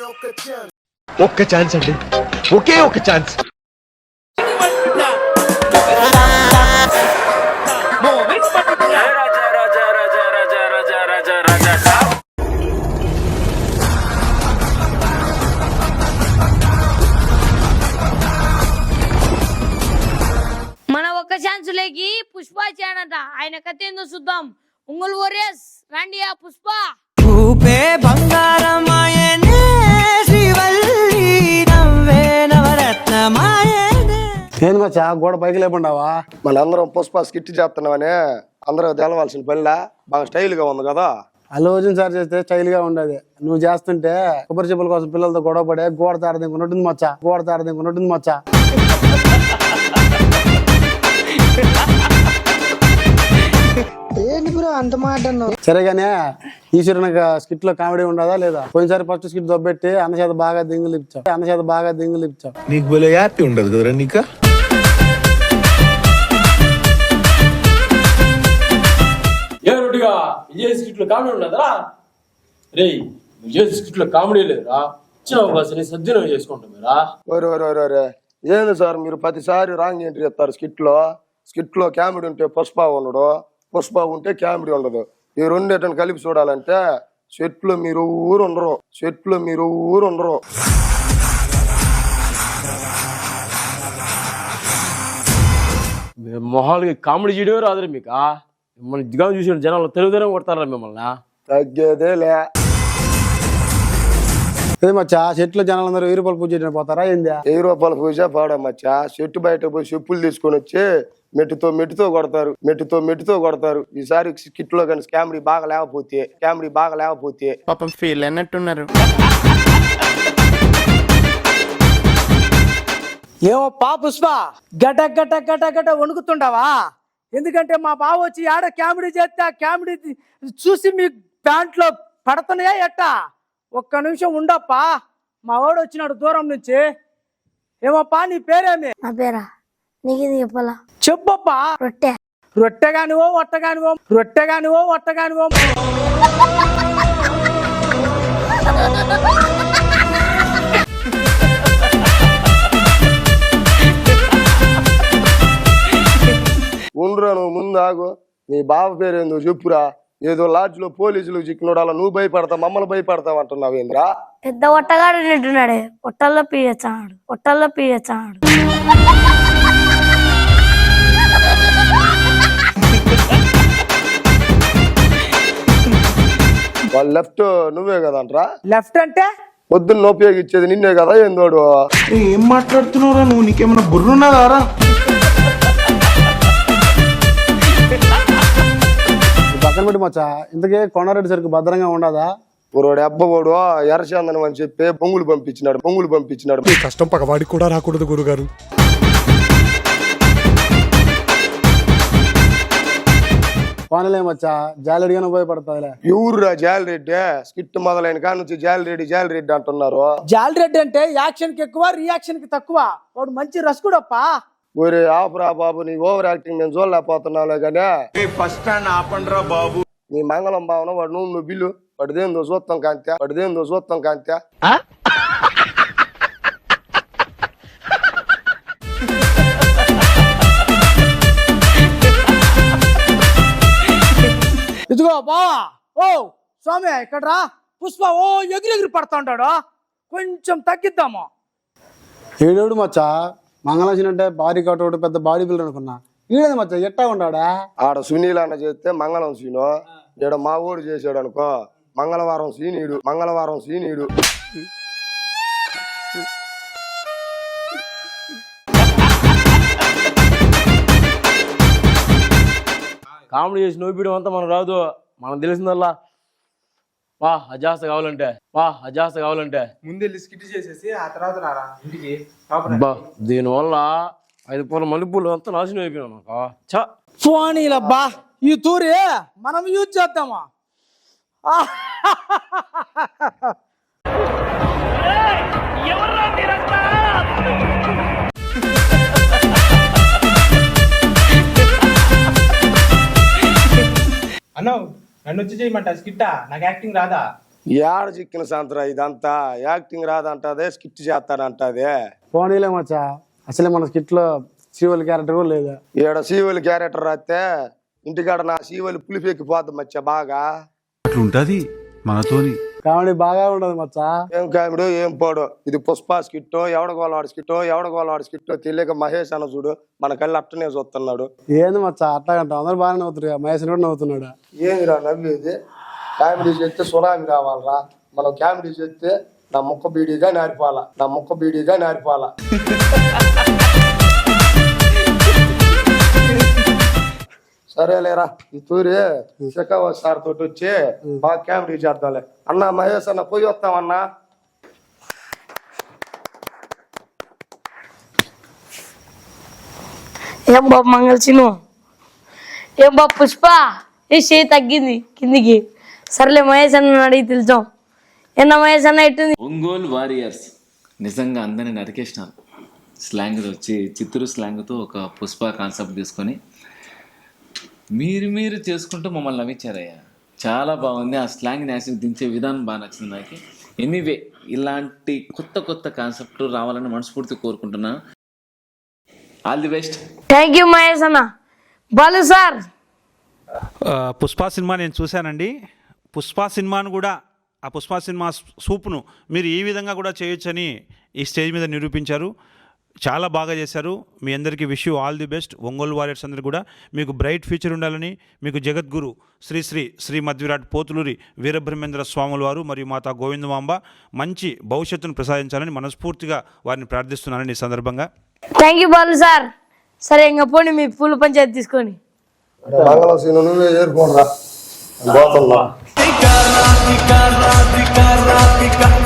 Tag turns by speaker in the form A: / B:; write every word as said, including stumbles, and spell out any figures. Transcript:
A: ఒక్క ఛాన్స్ అండి, ఒకే ఒక ఛాన్స్.
B: మన ఒక్క ఛాన్స్ లేకి పుష్ప చేయనంట. ఆయన కథ ఏందో చూద్దాం. ఉంగుల్ ఓరియస్ రండి ఆ పుష్ప.
C: చూపే బంగారమాయనే శ్రీవల్లి నవ్వే నవరత్నమాయనే.
D: నేను మచ్చా గోడ పైకి లేకుండా
E: మనందరం పుష్ప స్కిట్ చేస్తున్నామని అందరూ తెలవాల్సిన పనిలా బాగా స్టైల్ గా ఉంది కదా.
D: అల్లు అర్జున్ సార్ చేస్తే స్టైల్ గా ఉండేది. నువ్వు చేస్తుంటే కొబ్బరి చెప్పుల కోసం పిల్లలతో గొడవ పడే గోడ తారదింకున్నట్టుంది మచ్చా, గోడ తారదింకున్నట్టుంది మచ్చా. సరేగానే ఈశ్వరుని స్కిట్ లో కామెడీ ఉండదా లేదా? పోయినసారి ఫస్ట్ స్కిట్ దొబ్బెట్టి అన్న చేత బాగా దింగులు ఇచ్చావు, అన్న చేత బాగా దింగులు ఇచ్చావు.
A: నీకు భలే హ్యాపీ ఉండదు కదరా నీకు.
F: ఏ రొట్టిగా విజయ్ స్కిట్ లో కామెడీ ఉండదా రే? విజయ్ స్కిట్ లో కామెడీ లేదురా. ఇచ్చిన అవకాశాన్ని సద్వినియోగం చేసుకుంటాం మీరా.
E: ఓరే ఓరే ఓరే ఓరే ఏంది సార్ మీరు ప్రతిసారి రాంగ్ ఎంట్రీ చెప్తారు. స్కిట్ లో స్కిట్ లో కామెడీ ఉంటే పుష్ప ఉండడు, పుష్ప ఉంటే కామెడీ ఉండదు. ఈ రెండేటని కలిపి చూడాలంటే చెట్లు మీరు ఊరు ఉండరు, చెట్లు మీరు ఊరు ఉండరు.
F: మొహాలకి కామెడీ చేయడమే రాదురా మీకు. మిమ్మల్ని దిగా చూసిన జనాలు తెలుగుదనం కొడతారా మిమ్మల్ని?
E: తగ్గేదే లే.
D: అదే మచ్చా చెట్లు జనాలందరూ వెయ్యి రూపాయలు పూజ చేయడానికి పోతారా ఏంది?
E: వెయ్యి రూపాయల పూజ పాడమచ్చా. చెట్టు బయట పోయి చెప్పులు తీసుకొని వచ్చి మెట్టుతో మెట్టుతో కొడతారు, మెట్టుతో మెట్టుతో కొడతారు. ఈసారి స్కిట్ లో కానీ కామెడీ బాగా లేకపోతే కామెడీ బాగా లేకపోతే
C: పాపం ఫీల్ అన్నట్టున్నారు.
G: ఏమో పా పుష్ప గట గట గట గట వణుకుతుండవా? ఎందుకంటే మా బావ వచ్చి ఆడ కామెడీ చేస్తే ఆ కామెడీ చూసి మీ ప్యాంట్లో పడుతున్నాయా ఎట్టా? ఒక్క నిమిషం ఉండప్పా, మా వాడు వచ్చినాడు దూరం నుంచి. ఏమప్పా నీ పేరేమి?
B: నా పేరా నీకు చెప్పాలా?
G: చెప్పప్పా.
B: రొట్టె.
G: రొట్టెగానివో ఒట్టగానివో, రొట్టెగానివో ఒట్టగానివో.
E: ఉండ్రా నువ్వు ముందు ఆగు. నీ బావ పేరేందో చెప్పురా. ఏదో లాడ్జ్ లో పోలీసులు చిక్కునోడు అలా నువ్వు భయపడతావు, మమ్మల్ని భయపడతావు అంటున్నావు ఏంద్రా?
B: పెద్ద ఒట్టగాడు నింటున్నాడే, ఒట్టల్లో పీయచ్చాడు, ఒట్టల్లో పీయచ్చాడు.
E: వాళ్ళు లెఫ్ట్ నువ్వే కదంట్రా?
G: లెఫ్ట్ అంటే
E: పొద్దున్న ఉపయోగించేది నిన్నే కదా ఏందోడు?
A: ఏం మాట్లాడుతున్నావురా నువ్వు? నీకేమన్నా బుర్రున్నదారా?
D: పక్కన పెట్టి మచ్చా ఇంతకీ కొండారెడ్డి సరికి భద్రంగా ఉండదా?
E: పురోడు అబ్బవాడు ఎర్రచందనం అని చెప్పి పొంగులు పంపించినాడు, పొంగులు పంపించినాడు.
A: కష్టం పగవాడికి కూడా రాకూడదు గురుగారు.
D: పోనలే మచ్చా జాలెడిగానే ఉపయోగపడతాదిలే.
E: ఎవరురా జాలిరెడ్డి? స్కిట్ మొదలైన కాడ నుంచి జాలిరెడ్డి జాలిరెడ్డి అంటున్నారు.
G: జాలిరెడ్డి అంటే యాక్షన్ కి ఎక్కువ రియాక్షన్ కి తక్కువ. వాడు మంచి రసుకుడప్పా.
E: ఒరే ఆపురా బాబు, నీ ఓవర్ యాక్టింగ్ నేను చూడలేకపోతున్నావులే కానీ
A: ఫస్ట్ స్టాండ్ ఆపండ్రా బాబు.
E: నీ మంగళం భావన వాడు నువ్వు నువ్వు బిల్లు పడిదేందో చూస్తాం కాంత్యా, పడిదేందో చూస్తాం కాంత్యా.
G: ఇదిగో బావా, ఓ స్వామి ఇక్కడ రా. పుష్ప ఓ ఎగిరి ఎగిరి పడతా ఉంటాడు, కొంచెం తగ్గిద్దాము.
D: ఏడేడు మచ్చా మంగళాసిన అంటే భారీ కట్టోడు పెద్ద బాడీ బిల్డర్ అనుకున్నా. ఈడేది మచ్చా ఎట్టా ఉన్నాడా?
E: ఆడ సునీల్ అన్న చేస్తే మంగళం సీను, ఈడ మా ఊడు చేసాడు అనుకో మంగళవారం సీనీడు, మంగళవారం సీనీడు.
F: కామెడీ చేసి నవ్వుపీయడం అంతా మనకు రాదు. మనకు తెలిసిందల్లా వా అజాస్త కావాలంటే, వా అజాస్త కావాలంటే
H: ముందు స్కిట్ చేసేసి ఆ తర్వాత రారా ఇంటికి.
F: దీనివల్ల ఐదు పూల మల్లెపూలు అంతా నాశనం అయిపోయినా నాకు. చా
G: ఫోనీలబ్బా ఈ తూరి మనం యూజ్ చేద్దామా?
H: అన్నావు నన్ను వచ్చి చేయమంట స్కిట్టా? నాకు యాక్టింగ్ రాదా?
E: ఏడ చిక్కిన సంతరా ఇదంతా యాక్టింగ్ రాదంటదే స్కిట్ చేస్తాడంటదే.
D: పోనీలే మచ్చా, అసలే మన స్కిట్లో సీవల్ క్యారెక్టర్ కూడా లేదా.
E: ఈడ సీవలి క్యారెక్టర్ రాస్తే ఇంటికాడ నా సీవలి పులిపెక్కిపోద్ది మచ్చా బాగా.
A: అట్లుంటది మనతోని.
D: కామెడీ బాగా ఉండదు మచ్చా.
E: ఏం కామెడో ఏం పోడో, ఇది పుష్ప స్కిట్టో ఎవడ గోలవాడి స్కిట్టో ఎవడ గోలవాడి స్కిట్టో తెలియక మహేష్ అన్న చూడు మన కళ్ళు అట్టనే చూస్తున్నాడు.
D: ఏంది మచ్చా అట్లాగంట, అందరు బాగానే నవ్వుతారు, మహేష్ కూడా నవ్వుతున్నాడు.
E: ఏందిరా నవ్వేది? కామెడీ చేస్తే సునామీ రావాలరా, మనం కామెడీ చేస్తే నా ముక్క బీడీగా నారిపోవాలా, నా ముక్క బీడీగా నారిపోవాలా. సరేలేరా, ఈ తూరి శకావ సార్ తోటి వచ్చి బాగా కామెడీ చేద్దాంలే. అన్న మహేష్ అన్న పోయి వస్తామన్నా.
B: ఏం బాబు మంగళసిను, ఏం బాబు పుష్ప, ఏ చేయి తగ్గింది కిందికి. సర్లే మహేష్ అన్న అడిగి తెలుసాం. ఎన్న మహేష్ అన్న ఎట్టుంది?
I: ఒంగోలు వారియర్స్ నిజంగా అందరిని నరికేసినారు. స్లాంగ్ వచ్చి చిత్తూరు స్లాంగ్తో ఒక పుష్ప కాన్సెప్ట్ తీసుకొని మీరు మీరు చేసుకుంటూ మమ్మల్ని నవ్వించారయ్యా. చాలా బాగుంది. ఆ స్లాంగ్ నేసి దించే విధానం బాగా నచ్చింది నాకు. ఎనీవే ఇలాంటి కొత్త కొత్త కాన్సెప్ట్లు రావాలని మనస్ఫూర్తి కోరుకుంటున్నాను. All the best.
B: Thank you Mahesh అన్న. బాలు సార్,
J: పుష్ప సినిమా నేను చూశానండి. పుష్ప సినిమాను కూడా, ఆ పుష్ప సినిమా సూప్ను మీరు ఈ విధంగా కూడా చేయొచ్చని ఈ స్టేజ్ మీద నిరూపించారు. చాలా బాగా చేశారు. మీ అందరికీ wish you all the best. Ongole warriors అందరూ కూడా మీకు బ్రైట్ ఫ్యూచర్ ఉండాలని, మీకు జగద్గురు శ్రీ శ్రీ శ్రీ మధ్విరాట్ పోతులూరి వీరబ్రహ్మేంద్ర స్వాముల వారు మరియు మాతా గోవిందమాంబ మంచి భవిష్యత్తును ప్రసాదించాలని మనస్ఫూర్తిగా వారిని ప్రార్థిస్తున్నానని ఈ సందర్భంగా.
B: Thank you Balu sir. సరే ఇంకా పోండి మీ పూల పంచాయతీ తీసుకొని.
E: మంగళసీను నువ్వే ఏరుకోనరా.